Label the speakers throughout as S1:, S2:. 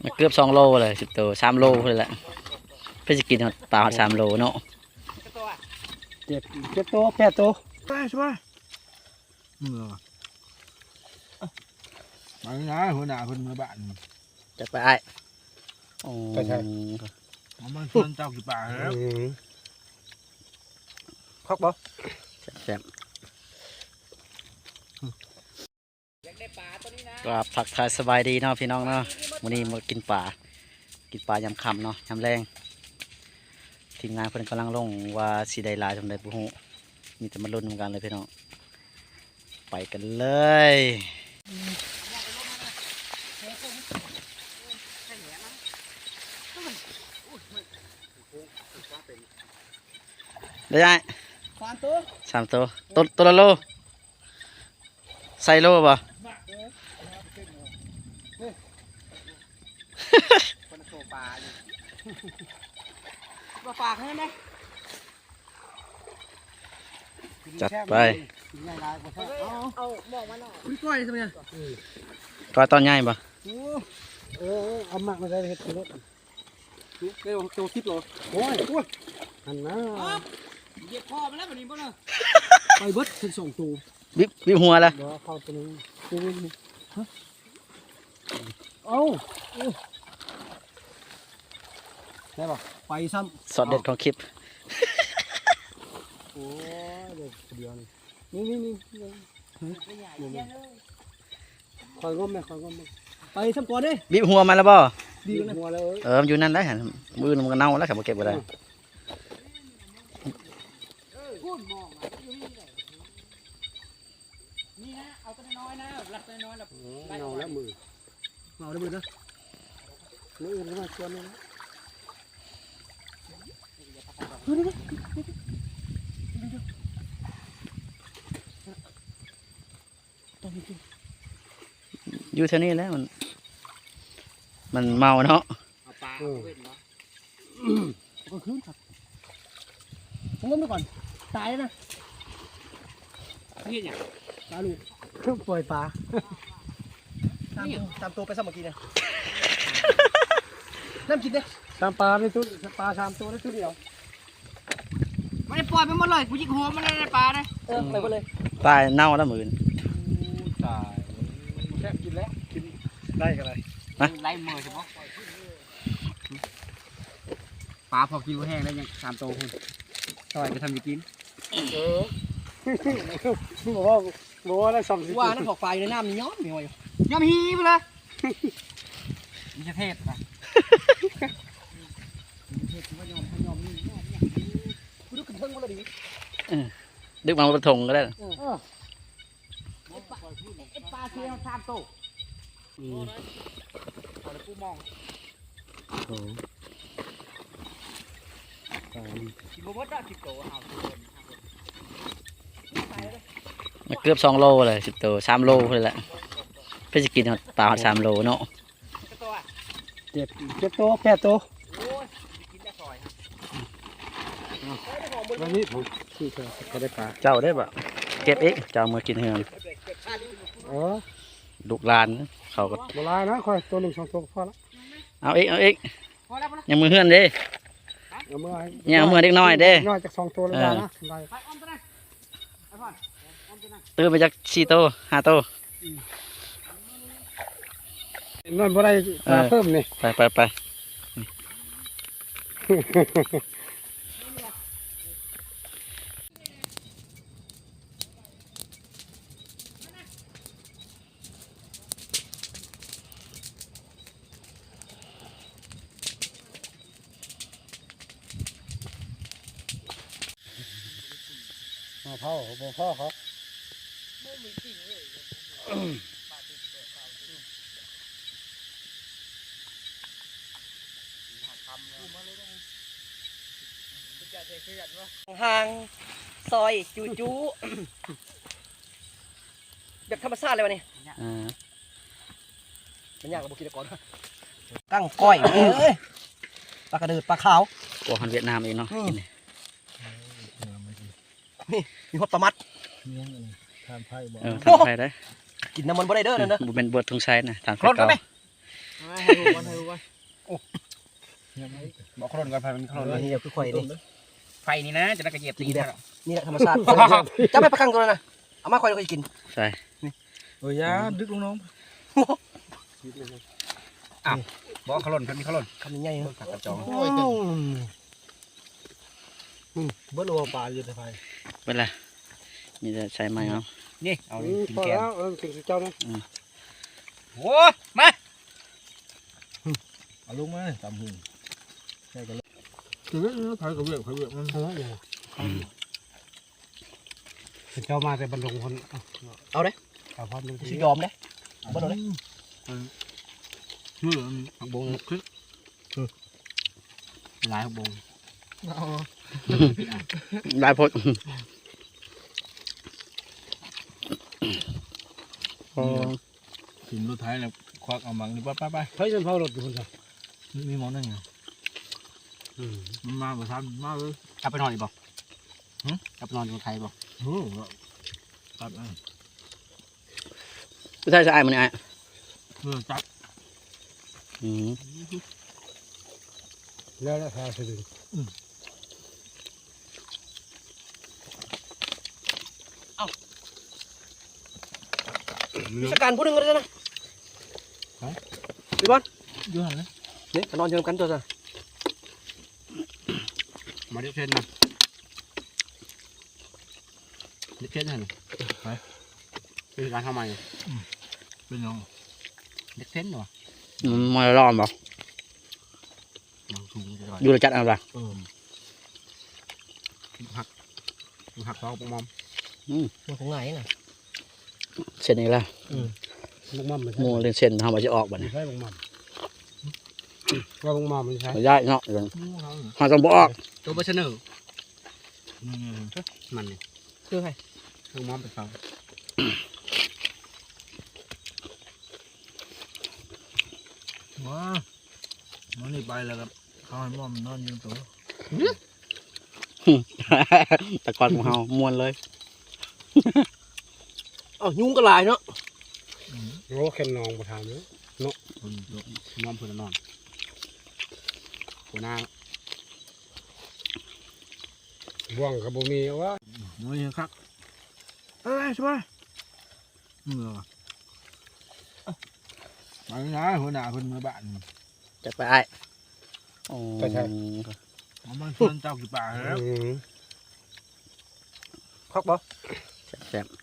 S1: เกือบ2 โลเลย10 ตัว3 โลเลยแหละเพื่อจะกินปลา3 โลเนาะ
S2: 7 ตัว8 ตัวสบายมาหน้าหัวหน้าคนมาบ้าน
S1: จะไปไอ้
S2: ไปใช่มันชวนเจ้ากี่ป่าแล้วคอกบ่
S1: แซ่บก็ผักทายสบายดีเนาะพี่น้องเนาะวันนี้มากินปลายำค่ำเนาะยำแรงทีมงานเพิ่นกำลังลงว่าสีได้ลายทำได้บุหูมีแต่มาลุ้นกันเลยพี่น้องไปกันเลยได้3 ตัวตัวละโลใส่โลป่ะ
S3: มาฝากให้ไหม
S1: จัดไป
S3: เอาบอกมาหน่อยคุณก้อยทำไง
S1: ก็ตอนใหญ่ป่ะ
S2: เอาหมักมาใส่เห็ดรถเร็วโตทิพย์เหรอโอ้ยอันน่ะ
S3: เหยียบคอมาแล้วแบบนี้ป่ะเนาะ
S2: ไปเบิดถึง2 ตัว
S1: วิบหัวละ
S2: เข้าตัวนึงเอาได้ป่ะไปซ้
S1: ำสอดเด็ดของคลิป
S2: โอ้เดี๋ยวนี่คอยงมไหมไปซ้ำก่อนดิ
S1: วิบหัวมาแล้วบ่
S2: ดีกันหัวเลย
S1: อยู่นั่นได้มือมันก็เน่าแล้วขับมาเก็บไปได้
S3: นี่นะเอาตัวน้อยนะหลับตัวน้อยหลับ
S2: เงาแล้วมือนะมืออื่นก็มาชวนเลยนะ
S1: อยู่เท่านี้แล้วมันเมาเนาะ
S3: ปลาเว้นเนาะ
S2: ก็คืนครับผมงมไปก่อนตายนะ
S3: พี่เนี่ย
S2: ปลาลูกปล่อยปลาตามตัวไปสมัครกินเลยน้ำกินเลยตามปลาในตู้ปลา3 ตัวในตู้เดียว
S3: ไม่ได้ปล่อยไปหมดเลยกูยิงหัวมันเลยปลาเลย
S2: ไปหมดเลย
S1: ตายเน่าแล้วมือ
S2: ตายแค่กินแล้วกินได้กันเลย
S3: ไล่มือใช่ไหมปลาพอกินแห้งแล้วยัง3 ตัวคุณต่อยไปทำยังกิน
S2: บอกว่าได้2
S3: ว่านั่นถอกปลาอยู่ในน้ำนี่ย้อมมีอะไรย้อมฮีไปเลยมีเทพนะดูกันเพิ่งมาเลยดิ
S1: ดึกมาประทงก็ได้
S3: ปลาเชียว3 ตัวเอาเลยปูมองกินบดได้10 ตัวเอา
S1: เกือบ2 โลเลย10 ตัว3 โลเลยแหละเพื่อจะกินปลา3 โลเนาะ
S2: 7 ตัว8 ตัววันนี้ผมคือเขาได้ปลา
S1: เจ้าได้ปะเก็บเองเจ้ามากินเฮือนลูกลานเขาก็
S2: โบราณนะคอยตัว1 2 ตัวพอละ
S1: เอาเองยังมือเฮือนเด้เนี่ยมือเด็กน้อยเด้
S2: น้อยจาก2 ตัวแล้วนะ
S1: ตื่นไปจาก4 ตัว5 ตั
S2: วนอนบ่ได้เพิ่มนี่
S1: ไป
S2: พ่อเขา
S3: ห่างซอยจูแบบธรรมชาติเลยวะนี่มันยากกว่าบุกินก่อนกั้งก้อยปลากระเดิดปลาขาว
S1: กลัวคนเวียดนามเองเนาะ
S3: นี่มีหดปลามัด
S2: ทานไผ่บ่
S1: ทานไผ่ได้
S3: กินน้ำมันบ่ได้เด้อนั่นเด้อ
S1: บุเป็นบวชทงชัยนะทานไผ่เก่า
S3: ให้รู้กัน
S2: บอกขลุ่นกันไฟมันขลุ่น
S3: นี่เดี๋ยวคือข่อยนี่ไฟนี่นะจะได้กระเหยียบตีได้
S4: นี่แหละธรรมชาติจะไปประกันตัวนะเอามาคอยเรากิน
S1: ใช่
S2: โอ้ยยาดึกลงน้องบอกขลุ่นเพิ่นมีขลุ่น
S4: คำใหญ่ๆ
S2: ผักกระจอง
S3: เบิ้ลวัวปลาอยู่ในไฟ
S1: เป็นไรมีแต่ใช้ไม้เอา
S3: นี่เอากิน
S2: พอ
S3: แกง
S2: แล้วกินเจ้านะ
S3: โอ้มา
S2: เอาลงมาตำหูใช่กันเลยคือเรื่องไผ่กับเวียกมันเท่าไหร่เจ้ามาแต่บรรลงคนเอาพอดู
S4: ชิยอมเลยบ่โดนเลย
S2: ชื่อผักบงคือลายผักบง
S1: ได้พดอ๋อ
S5: ถึงรถไทยแล้วควักเอามังนี่ไป
S2: เฮ้ยฉันเผารถอยู่คนเดียว
S5: มีมองนั่งไงมันมาประทันมาเลย
S3: กลับไปนอนอีกบ่กลับไปนอนอยู่ไทยบ่
S5: ตัด
S1: ผู้ชายจะอายมันไอ้
S5: จับ
S2: แล้วราคาสิ
S4: วิชาการพูดหนึ่งกันเลยนะพี่บอล
S5: ดูหันเลย
S4: นี่นอนเชิญกันตัวซะ
S3: มาเด็กเช่นนะเด็กเช่นหันไปเป็นการทำไม
S5: เป็นยัง
S3: เด็กเช่นหรอ
S1: มันร้อนบ่
S3: บางสูงจะ
S1: อยู่ระจัดอะไร
S3: หักท้องปมอม
S4: มันของไหนน่ะ
S1: เส้นนี้ละ
S2: ลุงมั่มมัน
S1: หมูเรื่องเส้นทำมาจะออกบ่
S2: ไม่
S1: เนี่ย
S2: ใช่ลุงมั่มว่าลุงมั่มมันใช่
S1: ย้ายเนาะมาต้องบออก
S3: ตัวเบอร์เชนอร์
S5: นี่
S3: มันนี่
S4: คือใคร
S3: ลูกมอมไปฟัง
S5: ว้ามันนี่ไปแล้วครับเขาให้มอมนอนยืนตัว
S1: ตะกอนของเฮามวนเลย
S4: อ๋อยุงก็ลายเนาะ
S2: โอ้แค่นองประทานเนาะ
S3: มอมเพื่อนนอนหัวหน้า
S2: บ่วงกับบ่มีว่า
S5: น้อยครับเอ้ยสบายเหรอไปนะหัวหน้าเพิ่นมาบ้าน
S1: จัดไปไอ้โอ้
S5: มันชวนเจ้ากี่ป่าแล้ว
S4: คอกบ่
S1: แซ่บ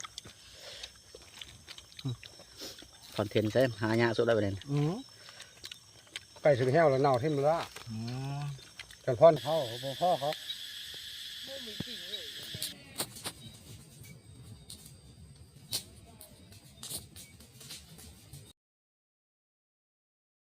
S1: คอนเทนต์ใช่หายากสุดแล้วประเด็น
S2: ไก่ถึงแห้วแล้วเน่าที่มันละกันพ่อนเขาพ่อเขา
S5: เ